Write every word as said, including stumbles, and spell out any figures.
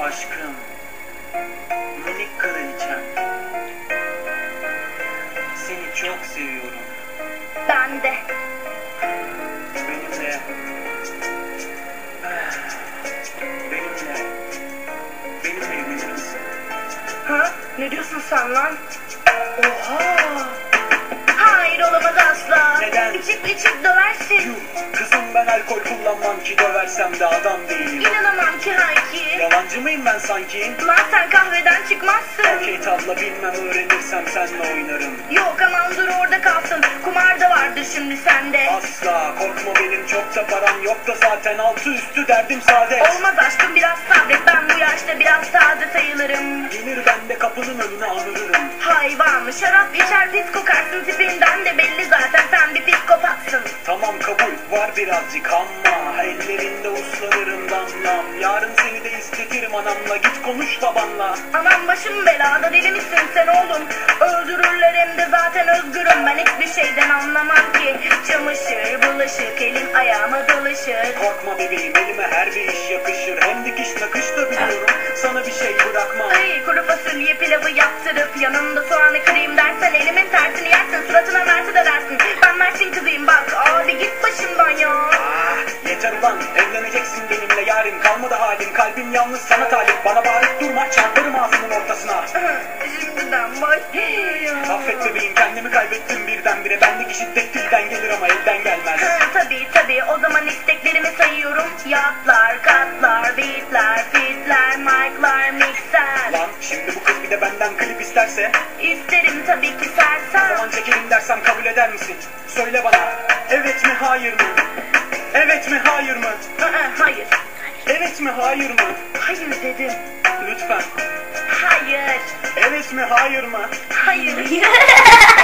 aşkım, minik kraliçem. Seni çok seviyorum. Ben de. Benimle. Benimle. Benimle evlenir misin? Ha? Ne diyorsun sen lan? Oha! Hayır, olamaz asla. Neden? İçip içip döversin. Yuh, kızım ben alkol kullanmam ki, döversem de adam değilim. İnanamam ki Hayki. Yalancı mıyım ben sanki? Lan sen kahveden çıkmazsın. Okey tabla bilmem, öğrenirsem senle oynarım. Yok aman dur orada kalsın. Kumar da vardır şimdi sende. Asla korkma, benim çok da param yok da zaten, altı üstü derdim saadet. Olmaz aşkım, biraz sabret, ben bu yaşta biraz taze sayılırım. Gelir ben de kapının önüne anırırım. Hayvan, şarap içer pis kokarsın, tipinden de belli zaten sen bir psikopatsın. Tamam kabul var birazcık ama ellerinde uslanırım damlam. Yarın seni de istetirim anamla, git konuş babanla. Aman başım belada, deli misin sen oğlum? Öldürürler hem de zaten özgürüm, ben hiçbir şeyden anlamam ki. Çamaşır, bulaşık, elim ayağıma dolaşır. Korkma bebeğim, elime her bir iş yakışır. Hem dikiş nakış da biliyorum, sana bir şey bırakmam. Ay kuru fasulye pilavı yaptırıp yanında soğanı kırayım dersen elimin tersini yersin, suratına mersi de dersin. Ben Mersin kızıyım bak, abi git başımdan ya. Ah, yeter ulan, evleneceksin benimle yarim. Kalmadı halim, kalbim yalnız sana talip. Bana bağırıp durma, çarparım ağzının ortasına. Şimdiden başlıyor ya. Affet bebeğim, kendimi kaybettim birdenbire. Bendeki şiddet dilden gelir ama elden gelmez. Ha, tabii tabii, o zaman isteklerimi sayıyorum. Yatlar, katlar, beatler, fitler, mic'lar, mixer. Lan şimdi bu kız bir de benden klip isterse? İsterim tabii ki O sersem. zaman çekelim dersem kabul eder misin? Söyle bana, evet mi hayır mı? Evet mi hayır mı? Aa, hayır. Evet mi hayır mı? Hayır dedim. Lütfen. Hayır. Evet mi hayır mı? Hayır.